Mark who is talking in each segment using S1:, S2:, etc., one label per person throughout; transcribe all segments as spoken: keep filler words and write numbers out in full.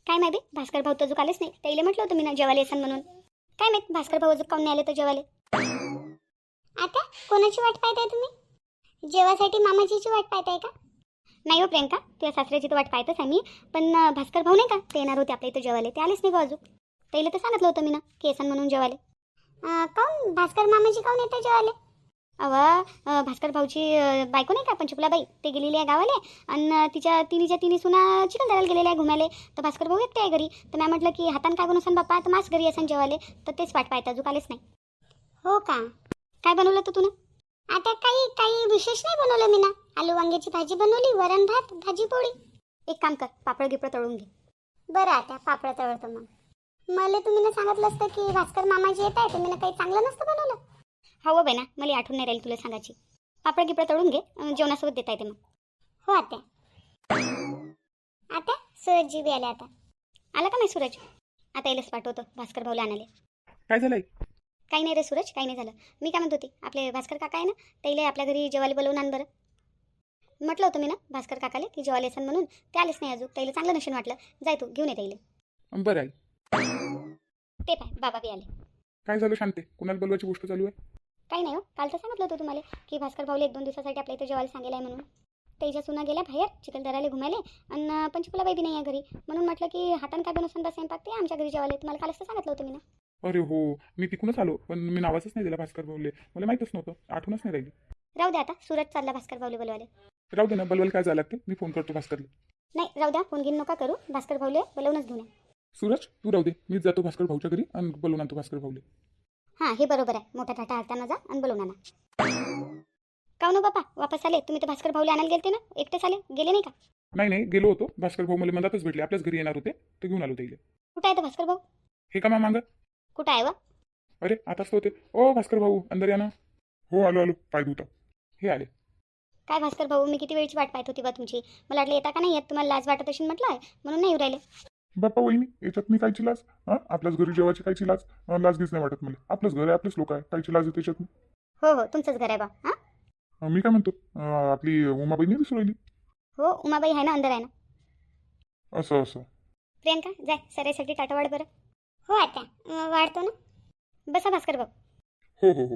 S1: काय माहिती भास्कर भाऊ तर अजून आलेच नाही. त्याला म्हटलं होतं मी ना जेवायला येसान म्हणून. काय माहित भास्कर भाऊ अजून काऊन नाही आले तर जेवायला. आता कोणाची वाट पाहताय तुम्ही? जेवासाठी मामाजीची वाट पाहताय का? नाही हो प्रियंका, तुझ्या सासऱ्याची तर वाट पाहतच आहे मी. पण अं, भास्कर भाऊ नाही का ते येणार होते आपल्या इथं जेवायला, ते आलेच नाही का अजून. त्याला तर सांगितलं होतं मी ना की येसान म्हणून जेवायला. अं, काऊन भास्कर मामाजी काऊन येतं जेवायला? अव अं, भास्कर भाऊची अं, बायको नाही का पंचकुलाबाई, ते गेलेली आहे गावाले. आणि तिच्या तिन्हीच्या तिन्ही सुना चिखलदऱ्याला गेलेल्या आहे घुमायला. तर भास्कर भाऊ एकटे आहे घरी. तर मी म्हटलं की हातान काय बनवसान बाप्पा, तर मास घरी असन जेवायला. तर तेच वाट पाहता अजून आलेच नाही. हो का? काय बनवलं तू तुला? आता काही काही विशेष नाही बनवलं मी ना. आलू वांग्याची भाजी बनवली, वरण भात, भाजी पोळी. एक काम कर, पापड गिपड तळून घे. बरं आता पापड तळतो मग. मला तुम्ही ना सांगितलं असतं की भास्कर मामाजी येत आहे, तुम्ही ना काही चांगलं नसतं बनवलं. हो बाई ना, मला आठवण नाही राहील तुला सांगायची. पापड गिपड तळून घे, अं, जेवणासोबत देता येते मग. हो आता आता सूरजजी बी आले आता. आला का नाही सूरज? आता येलेच पाठवतो भास्कर भाऊला आणाले.
S2: काय झालंय?
S1: काही नाही रे सूरज, काही नाही झालं. मी काय म्हणत होती, आपले भास्कर काका आहे ना, त्याला आपल्या घरी जेवायला बोलवून आण बरं. म्हटलं होतं मी ना भास्कर काकाले की जेवायला येसन म्हणून, ते आलेच नाही अजून. त्याला चांगलं नशीन वाटलं. जाय तू घेऊन ये त्याला.
S2: बरं आहे.
S1: ते पाय बाबा बी आले.
S2: काय झालं शांते? कुणाला बोलवायची गोष्ट चालू आहे?
S1: काही नाही हो, काल तर सांगितलं होतं तुम्हाला की भास्कर भाऊला एक दोन दिवसासाठी आपल्या इथं जेवायला सांगेल आहे म्हणून. त्याच्या सुना गेल्या बाहेर चिखलदऱ्याला घुमायले. आणि पंचकुलाबाई बी नाही आहे घरी. म्हणून म्हटलं की हातान काय बनवसान बा स्वयंपाक, ते आमच्या घरी जेवायला. तुम्हाला कालच तर सांगितलं होतं मी ना.
S2: अरे हो, मी तिकूनच आलो, पण मी नावाचंच नाही दिला भास्कर भाऊले. मला माहीतच नव्हतं, आठवणच नाही राहिली.
S1: राहू द्या आता, सूरज चालला भास्कर भाऊले बोलवाले.
S2: राहू दे ना, बलवल काय झालं लागते, मी फोन करतो भास्करला.
S1: नाही राहू द्या, फोन घेऊन नका करू. भास्कर भाऊले बोलवूनच घेऊन या.
S2: सूरज तू राहू दे, मीच जातो भास्कर भाऊच्या घरी आणि बोलवून आणतो भास्कर भाऊले.
S1: हां हे बरोबर आहे. मोठा टाटा हाताना जा आणि बोलवून आणा. काऊ ना बापा वापस आले तुम्ही? तर भास्कर भाऊला आणायला गेलते ना, एकटेच आले, गेले नाही का?
S2: नाही नाही, गेलो होतो. भास्कर भाऊ मला मधातच भेटले, आपल्याच घरी येणार होते, तर घेऊन आलो त्याला.
S1: कुठं आहे तर भास्कर भाऊ?
S2: हे का मांग?
S1: कुठं आहे व?
S2: अरे आताच तर होते. ओ भास्कर भाऊ अंदर या ना. हो आलो आलो, पाय धुता. हे आले.
S1: काय भास्कर भाऊ, मी किती वेळची वाट पाहत होती बा तुमची. मला वाटलं येता का नाही येत, तुम्हाला लाज वाटत असेल म्हटलं आहे म्हणून नाही येऊ राहिले.
S2: बाप्पा वहिनी, याच्यात मी कायची लाज? हां, आपल्याच घरी जेवायची कायची लाज? अं, लाज गीच नाही वाटत मला. आपलंच घर आहे, आपलेच लोक आहे, कायची लाज आहे त्याच्यात?
S1: हो हो तुमचंच घर आहे बा. हां
S2: अं, मी काय म्हणतो, अं, आपली उमाबाई नाही दिसू राहिली.
S1: हो उमाबाई आहे ना, अंदर आहे ना.
S2: असं असं.
S1: प्रियंका जाय सरायसाठी टाटा वाढ बरं. हो आता अं, वाढतो ना. बसा भास्कर भाऊ.
S2: हो हो हो.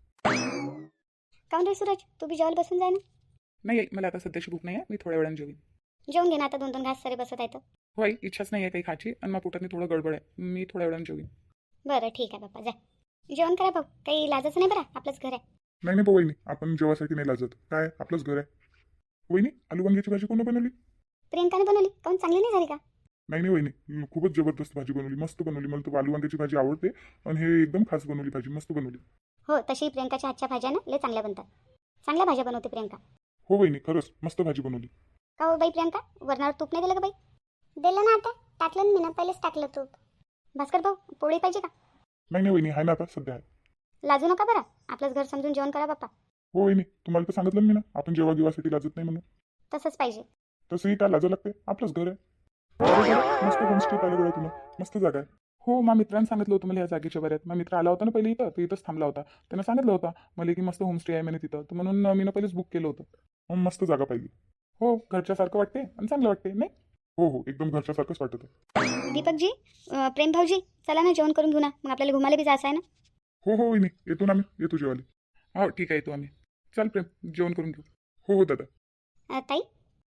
S1: काऊन रे सूरज, तू बी जेवायला बसून जाय ना.
S2: नाही मला आता सध्याची भूक नाही आहे, मी थोड्या वेळाने जेवीन.
S1: जेवून घे ना आता, दोन दोन घास सरे बसत आहेत.
S2: हो आई, इच्छाच नाही आहे काही खायची आणि मग पोटात थोडं गडबड आहे, मी थोड्या वेळाने जेवीन.
S1: बरं ठीक आहे बाप्पा, जाय जेवण करा भाऊ. काही लाजच नाही बरं, आपलंच घर आहे.
S2: नाही नाही वहिनी, आपण जेवासाठी नाही लाजत. काय आपलंच घर आहे. वहिनी, आलू वांग्याची भाजी कोण बनवली?
S1: प्रियंकाने बनवली. काऊन चांगली नाही झाली का?
S2: नाही नाही वहिनी, खूपच जबरदस्त भाजी बनवली, मस्त बनवली. मला तर आलू वांग्याची भाजी आवडते आणि हे एकदम खास बनवली भाजी, मस्त बनवली.
S1: हो तशी प्रियंकाच्या हातच्या भाज्या ना लय चांगल्या बनतात. चांगल्या भाज्या बनवते प्रियंका.
S2: हो वहिनी, खरंच मस्त भाजी बनवली.
S1: का हो बाई प्रियंका, वरणावर तूप नाही दिलं का बाई? दिलं ना आता, टाकलं ना मी ना, पहिलेच टाकलं तूप. भास्कर भाऊ पोळी पाहिजे का?
S2: नाही नाही वहिनी, आहे ना आता सध्या आहे.
S1: लाजू नका बरं, आपलंच घर समजून जेवण करा बाप्पा.
S2: हो वहिनी, तुम्हाला तर सांगितलं ना मी ना, आपण जेव्हा गिवासाठी लाजत नाही म्हणून.
S1: तसंच पाहिजे.
S2: तसंही काय लाजा लागते, आपलंच घर आहे. अरे बरं, मस्त होमस्टे पाहिलं गड्या तुला, मस्त जागा आहे. हो, मा मित्रांनी सांगितलं होतं मला या जागेच्या बऱ्यात. मग मित्र आला होता ना पहिले इथं, तर इथंच थांबला होता. त्यानं सांगितलं होतं मला की मस्त होमस्टे आहे म्हणे तिथं, तर म्हणून मी ना पहिलेच बुक केलं होतं. मग मस्त जागा पाहिली. हो, घरच्यासारखं वाटते आणि चांगलं वाटते नाही. हो हो, एकदम घरच्यासारखंच वाटत आहे.
S1: दीपकजी, अं, प्रेम भाऊजी, चला ना जेवण करून घेऊ ना, मग आपल्याला घुमायला बी जायचं आहे ना.
S2: हो हो वहिनी, येतो ना आम्ही, येतो जेवायला. हो ठीक आहे, येतो आम्ही. चल प्रेम, जेवण करून घेऊ. हो हो दादा.
S1: अं, ताई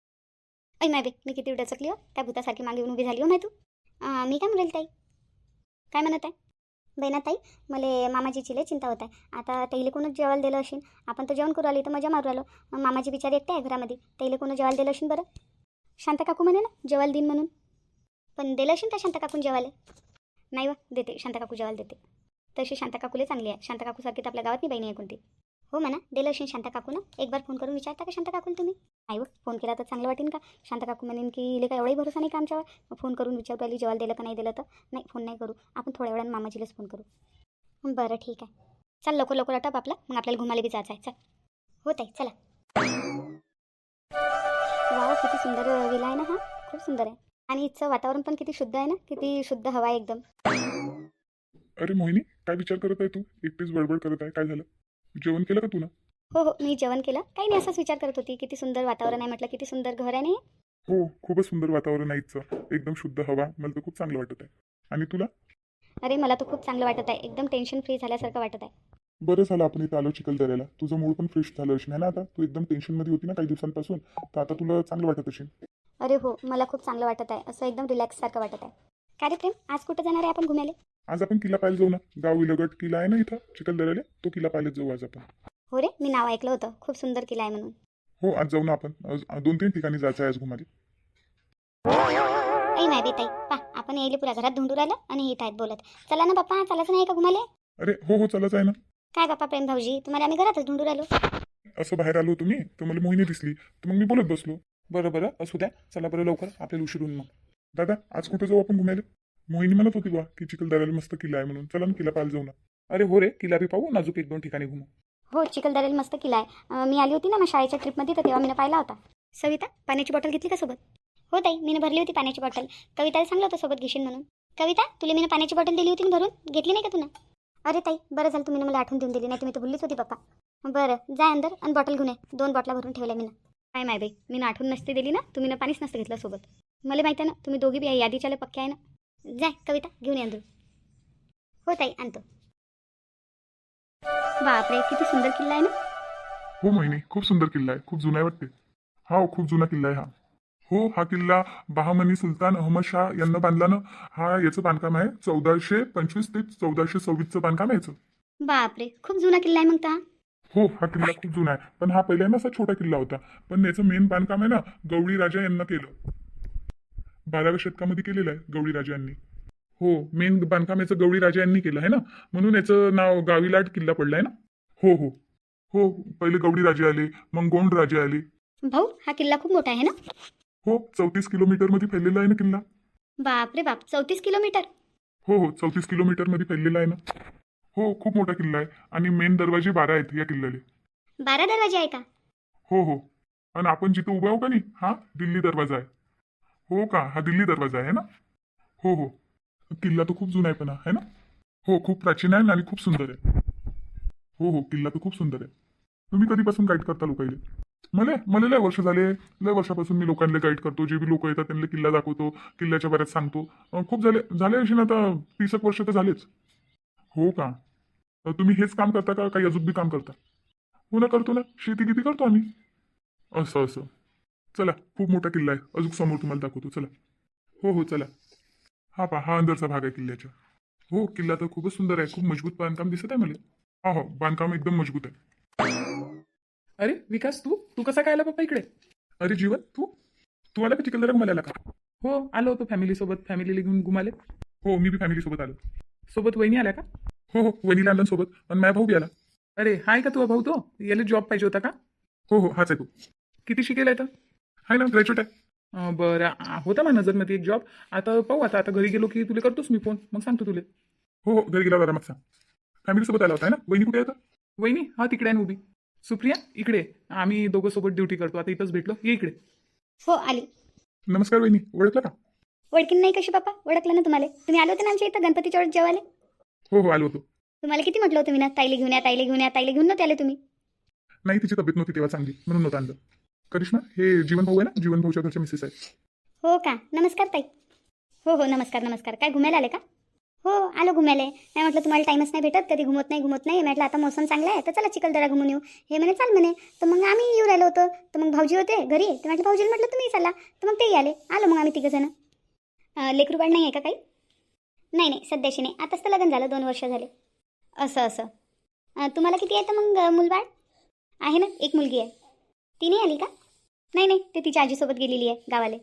S1: ऐ माय बे, मी किती डचकली हो, त्या भूतासारखी मागे येऊन उभी झाली हो माय तू. अं, मी काय म्हणेल ताई? काय म्हणत आहे बहिणा ताई? मला मामाजीची लय चिंता होत आहे. आता तैले कोणच जेवायला दिलं असेल. आपण तर जेवण करू आली तर मजा मारू आलो. मामाजी बिचारी एकटे आहे घरामध्ये, तैले कोण जेवायला दिलं असेल बरं? शांता काकू म्हणे ना जेवायला दिन म्हणून, पण दिलं असेल का शांता काकून जेवायला? नाही व, देते शांता काकू जेवायला देते. तशी शांता काकूले चांगली आहे. शांता काकूसारखी तर आपल्या गावात नाही बहिणी आहे कोणती. हो म्हणा, दिलं असेल शांता काकू ना. एक बार फोन करून विचारता का शांता काकून तुम्ही? नाही व, फोन केला तर चांगलं वाटेन का? शांता काकू म्हणेन की इले का एवढाही भरोसा नाही का आमच्यावर? मग फोन करून विचारू आली जेवायला दिलं का नाही दिलं तर. नाही, फोन नाही करू आपण, थोड्या वेळानं मामाजीलाच फोन करू. बरं ठीक आहे, चल लवकर लवकर आटप आपला, मग आपल्याला घुमाले बी जायचं आहे. चल हो ताई चला. वा किती सुंदर विला आहे ना हा, खूप सुंदर आहे. आणि इथचं वातावरण पण किती शुद्ध आहे ना, किती शुद्ध हवा आहे एकदम.
S2: अरे मोहिनी, काय विचार करत आहे तू? एकटीच बडबड करत आहे, काय झालं? जेवण केलं का तू ना?
S1: हो हो मी जेवण केलं. काही नाही, असाच विचार करत होती. किती सुंदर वातावरण आहे म्हटलं, किती सुंदर घर आहे नाही.
S2: हो, खूपच सुंदर वातावरण आहे इथचं. एकदम शुद्ध हवा. मला तर खूप चांगलं वाटत आहे. आणि तुला?
S1: अरे मला तर खूप चांगलं वाटत आहे, एकदम टेन्शन फ्री झाल्यासारखं वाटत आहे.
S2: बरं झालं आपण इथं आलो चिखलदऱ्याला. तुझं मूड पण फ्रेश झालं असेल है ना आता? तू एकदम टेन्शनमध्ये होती ना काही दिवसांपासून, तर आता तुला चांगलं वाटत असेल.
S1: अरे हो, मला खूप चांगलं वाटत आहे, असं एकदम रिलॅक्स सारखं वाटत आहे. काय रे प्रेम, आज कुठं जाणार आहे आपण घुमायला?
S2: आज आपण किल्ला पाहायला जाऊ ना. गाव विलगट किल्ला आहे ना इथं चिखलदऱ्याला, तो किल्ला पाहायला जाऊ आज आपण.
S1: हो रे, मी नाव ऐकलं होतं, खूप सुंदर किल्ला आहे म्हणून.
S2: हो, आज जाऊ ना आपण. आज दोन तीन ठिकाणी जायचं आहे आज घुमाले.
S1: ऐ नाही बी ताई, पा आपण यायले पुऱ्या घरात धुंडू राहिलं आणि येत आहेत बोलत. चला ना बाप्पा, चालायचं नाही का घुमाले?
S2: अरे हो हो, चलाच आहे ना.
S1: काय बाप्पा प्रेम भाऊजी, तुम्हाला आम्ही घरातच धुंडू राहिलो.
S2: असं बाहेर आलो तुम्ही तर मला मोहिनी दिसली, तर मग मी बोलत बसलो. बरं बरं, असू द्या. चला बरं लवकर, आपल्याला उशीर होऊन मग. दादा, आज कुठे जाऊ आपण घुमायला? मोहिनी म्हणत होती बा की चिखलदऱ्याला मस्त किल्ला आहे म्हणून. चला ना किल्ला पाहायला जाऊ ना. अरे हो रे, किल्ला बी पाहू, नाजूक एक दोन ठिकाणी घुमू.
S1: हो, चिखलदऱ्याला मस्त किल्ला आहे. अं, मी आली होती ना मग शाळेच्या ट्रिपमध्ये, तर तेव्हा मी पाहिला होता. सविता, पाण्याची बॉटल घेतली का सोबत? हो ताई, मी भरली होती पाण्याची बॉटल. कविताला सांगलं होतं सोबत घेशील म्हणून. कविता, तुला मी पाण्याची बॉटल दिली होती ना भरून, घेतली नाही का तुला? अरे ताई, बरं झालं तुम्ही मला आठवण देऊन दिली, नाही तुम्ही तर भुललीच होती पप्पा. बरं, जा अंदर आणि बॉटल घेऊन ये. दोन बॉटला भरून ठेवल्या मी ना. काय माय बाई, मी ना आठवण नसते दिली ना, तुम्ही ना पाणीच नसतं घेतलं सोबत. मला माहिती आहे ना, तुम्ही दोघी बी या यादीच्या पक्के आहे ना. जाय कविता, घेऊन ये अंदर. हो ताई, आणतो. बापरे, किती सुंदर किल्ला आहे ना.
S2: हो मोहिनी, खूप सुंदर किल्ला आहे. खूप जुना आहे वाटते. हा हो, खूप जुना किल्ला आहे हा. हो, हा किल्ला बहामनी सुलतान अहमद शाह यांना बांधला ना. हा याचं बांधकाम आहे चौदाशे पंचवीस ते चौदाशे सव्वीसचं बांधकाम आहे याचं.
S1: बापरे, खूप जुना किल्ला आहे मग ता.
S2: हो, हा किल्ला खूप जुना आहे. पण हा पहिल्यांदा असा छोटा किल्ला होता. पण याचं मेन बांधकाम आहे ना गवळी राजा यांना केलं. बाराव्या शतकामध्ये केलेलं आहे गवळी राजा यांनी. हो, मेन बांधकाम याचं गवळी राजा यांनी केलं आहे ना, म्हणून याचं नाव गावीलाट किल्ला पडलाय ना. हो हो हो, पहिले गवळी राजे आले, मग गोंड राजे आले.
S1: भाऊ, हा किल्ला खूप मोठा आहे ना.
S2: हो, चौतीस किलोमीटर मध्ये फैललेला आहे ना किल्ला.
S1: बापरे बाप, चौतीस किलोमीटर.
S2: हो हो, चौतीस किलोमीटर मध्ये फैललेला आहे ना. हो, खूप मोठा किल्ला आहे. आणि मेन दरवाजे बारा आहेत या किल्ल्याले.
S1: बारा दरवाजे आहे का?
S2: हो हो, आणि आपण जिथे उभा आहो का नाही, हा दिल्ली दरवाजा आहे. हो का, हा दिल्ली दरवाजा आहे ना. हो हो, किल्ला तर खूप जुना आहे पण हा, है ना. हो, खूप प्राचीन आहे आणि खूप सुंदर आहे. हो हो, किल्ला तर खूप सुंदर आहे. तुम्ही कधीपासून गाईड करता लोकांना? मला मला लय वर्ष झाले. लय वर्षापासून मी लोकांना गाईड करतो. जे बी लोक येतात त्यांना किल्ला दाखवतो, किल्ल्याच्या बऱ्याच सांगतो. अं, खूप झाले झाले अशी ना आता तीस एक वर्ष तर झालेच. हो का, तर तुम्ही हेच काम करता का काही अजून बी काम करता? हो ना, करतो ना, शेती किती करतो आम्ही. असं असं, चला खूप मोठा किल्ला आहे, अजून समोर तुम्हाला दाखवतो चला. हो हो, चला. हा पहा, हा अंदरचा भाग आहे किल्ल्याच्या. हो, किल्ला तर खूपच सुंदर आहे. खूप मजबूत बांधकाम दिसत आहे मला. हा हो, बांधकाम एकदम मजबूत आहे.
S3: अरे विकास, तू तू कसा काय आला पप्पा इकडे?
S2: अरे जीवन, तू तू आला का चिखलदरा घुमायला आला का?
S3: हो, आलो होतो फॅमिली सोबत, फॅमिलीला घेऊन घुमाले.
S2: हो, मी बी फॅमिली सोबत आलो.
S3: सोबत वहिनी आल्या का?
S2: हो हो, वहिनीला आणलं सोबत, आणि माझ्या भाऊ बी आला.
S3: अरे हाय का तुझा भाऊ? तो याला जॉब पाहिजे होता का?
S2: हो हो, हाच आहे तू.
S3: किती शिकेल तर?
S2: आहे ना, ग्रॅज्युएट आहे.
S3: अं, बरं, आ- होता माझ्या नजरमध्ये एक जॉब. आता पाहू, आता आता घरी गेलो की तुला करतोस मी फोन, मग सांगतो तुला.
S2: हो हो, घरी गेला बरा मग सांग. फॅमिली सोबत आला होता आहे ना. वहिनी कुठे येतं?
S3: वहिनी हा तिकडे आहे ना उभी. सुप्रिया इकडे. आम्ही दोघं सोबत ड्युटी करतो, आता इथंच भेटलो, ये इकडे.
S1: हो, आली.
S2: नमस्कार वहिनी, ओळखलं का?
S1: ओळखीन नाही कशी बाप्पा, ओळखलं ना तुम्हाला. तुम्ही आले होते ना आमच्या इथं गणपतीच्या वेळेस जेवायला.
S2: हो हो, आलो होतो.
S1: तुम्हाला किती म्हटलं होतं मी ना, ताईले घेऊन या, ताईले घेऊन या, ताईले घेऊन नव्हते आले तुम्ही.
S2: नाही, तिची तब्येत नव्हती तेव्हा चांगली, म्हणून नव्हतं आणलं. करिश्मा, हे जीवन भाऊ आहे ना, जीवन भाऊच्या घरच्या मिसेस आहे.
S1: हो का, नमस्कार ताई. हो हो, नमस्कार नमस्कार. काय घुमायला आले का? हो, आलो घुमायला. नाही म्हटलं तुम्हाला टाईमच नाही भेटत, कधी घुमत नाही घुमत नाही म्हटलं आता मोसम चांगला आहे तर चला चिखलदरा घुमून येऊ. हे म्हणे चाल म्हणे, तर मग आम्ही येऊ राहिलो होतो. तर मग भाऊजी होते घरी, तर म्हटलं भाऊजीला म्हटलं तुम्ही चला, तर मग तेही आले. आलो मग आम्ही तिघंजणं. लेकरू बाळ नाही आहे का काही? नाही नाही, सध्याशी नाही, आताच तर लग्न झालं, दोन वर्ष झाले. असं असं. अं, तुम्हाला किती आहे तर मग अं, मुलबाळ? आहे ना, एक मुलगी आहे. ती नाही आली का? नाही नाही, ते तिच्या आजीसोबत गेलेली आहे गावाले.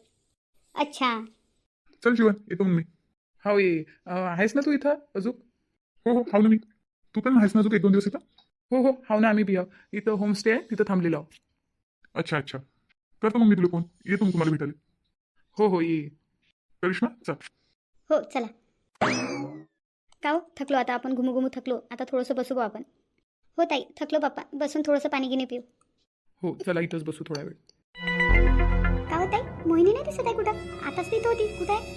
S1: अच्छा.
S2: चल जीवन, येतो मग मी.
S3: हो ये. अं, आहेस ना तू इथं अजून?
S2: हो हो, हाव ना मी. तू पण आहेस ना अजून एक दोन दिवस इथं?
S3: हो हो, हाव ना, आम्ही बी आहो. इथं होमस्टे आहे, तिथं थांबलेलो आहो.
S2: अच्छा अच्छा, करतो मग मी तुला फोन. येतो मग तुम्हाला भेटायला.
S3: हो हो, ये.
S2: करिश्मा, चल.
S1: हो, चला. का हो, थकलो आता आपण, घुमू घुमू थकलो, आता थोडंसं बसू बा आपण. हो ताई, थकलो बाप्पा, बसून थोडंसं पाणी गिनी पिऊ.
S3: हो, चला इथंच बसू थोडा वेळ.
S1: का हो ताई, मोहिनी नाही दिसत आहे कुठं? आताच ती इथं होती, कुठं आहे?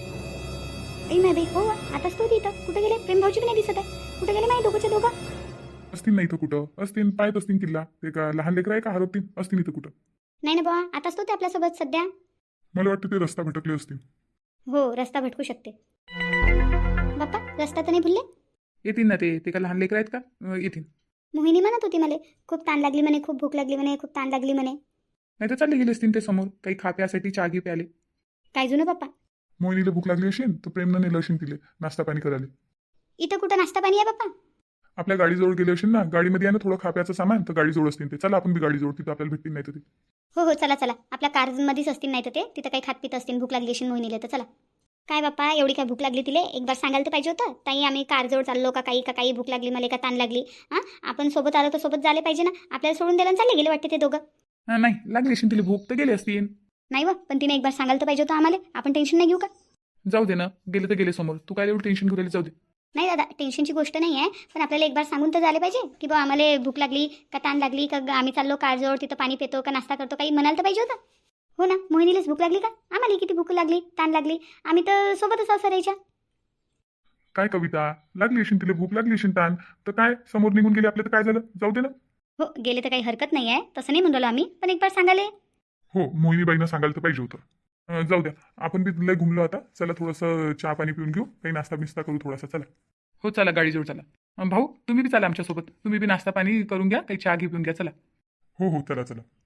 S1: ऐ माय बाई, हो आताच तो होती इथं, कुठं गेले? प्रेम भाऊजी बी नाही दिसत आहे, कुठं गेले माही दोघंचे दोघं?
S2: असतील नाही इथं कुठं, असतील पाहत असतील किल्ला. ते का लहान लेकर आहे का हरवतील, असतील इथं कुठं.
S1: नाही ना बाबा, आताच तो ते आपल्यासोबत सध्या.
S2: मला वाटतं ते रस्ता भटकले असतील.
S1: हो रस्ता भटकू शकते. बाप्पा रस्ता तर नाही भुलले?
S3: येतील ना ते ते का लहान लेकर आहेत का अं, येतील.
S1: मोहिनी म्हणत होती मला खूप ताण लागली म्हणे, खूप भूक लागली म्हणे, खूप ताण लागली म्हणे.
S3: नाही तर चालले गेले असतील ते समोर काही खा प्यासाठी चहा घे प्याले.
S1: काय जुनं बाप्पा?
S2: मोहिनीला भूक लागली असेल तर प्रेमनं नेलं असेल तिले नाश्ता पाणी करायला.
S1: इथं कुठं नाश्ता पाणी आहे बाप्पा?
S2: आपल्या गाडीजवळ गेले असेल ना, गाडीमध्ये आहे ना थोडं खाप्याचं सामान, तर गाडीजवळ असतील ते. चला आपण बी गाडीजवळ, तिथं आपल्याला भेटतील नाही तर ते.
S1: हो हो चला चला, आपल्या कारमध्येच असतील नाही तर ते तिथं काही खात पित असतील, भूक लागली असेल मोहिनीला तर चला. काय बाप्पा एवढी काय भूक लागली तिले एक बार सांगायला तर पाहिजे होतं. ताई आम्ही कारजवळ चाललो का काही का काही भूक लागली मला का ताण लागली. हां आपण सोबत आलो तर सोबत झाले पाहिजे ना. आपल्याला सोडून द्यायला चालले गेले वाटते ते दोघं.
S3: हां नाही लागली असेल तिला भूक तर गेले असतील.
S1: नाही व पण तिने एक बार सांगायला तर पाहिजे होतं आम्हाला. आपण टेन्शन नाही घेऊ का?
S3: जाऊ दे ना गेले तर गेले समोर तू काय एवढं टेन्शन घेऊन जाऊ दे.
S1: नाही दादा टेन्शनची गोष्ट नाही आहे, पण आपल्याला एक बार सांगून तर झाले पाहिजे की बा आम्हाला भूक लागली का ताण लागली का ग- आम्ही चाललो कारजवळ तिथं पाणी पितो का नाश्ता करतो काही म्हणायला तर पाहिजे होतं. हो ना मोहिनीलाच भूक लागली का आम्हाला किती भूक लागली ताण लागली आम्ही तर सोबतच असं राहायच्या.
S2: काय कविता, लागली असेल तिला भूक लागली असेल ताण, तर काय समोर निघून गेले आपल्या तर काय झालं, जाऊ दे ना.
S1: हो गेले तर काही हरकत नाही आहे तसं नाही म्हणलो आम्ही, पण एक बार सांगाले.
S2: हो मोहिनीबाईनं सांगायला तर पाहिजे होतं. अं, जाऊ द्या, आपण बी लय घुमलो आता. चला थोडंसं चहा पाणी पिऊन घेऊ, काही नाश्ता बिस्ता करू थोडासा. चला
S3: हो चला गाडीजवळ चला. अं, भाऊ तुम्ही बी चला आमच्यासोबत तुम्ही बी नाश्ता पाणी करून घ्या काही चहा घे पिऊन घ्या चला.
S2: हो हो चला चला.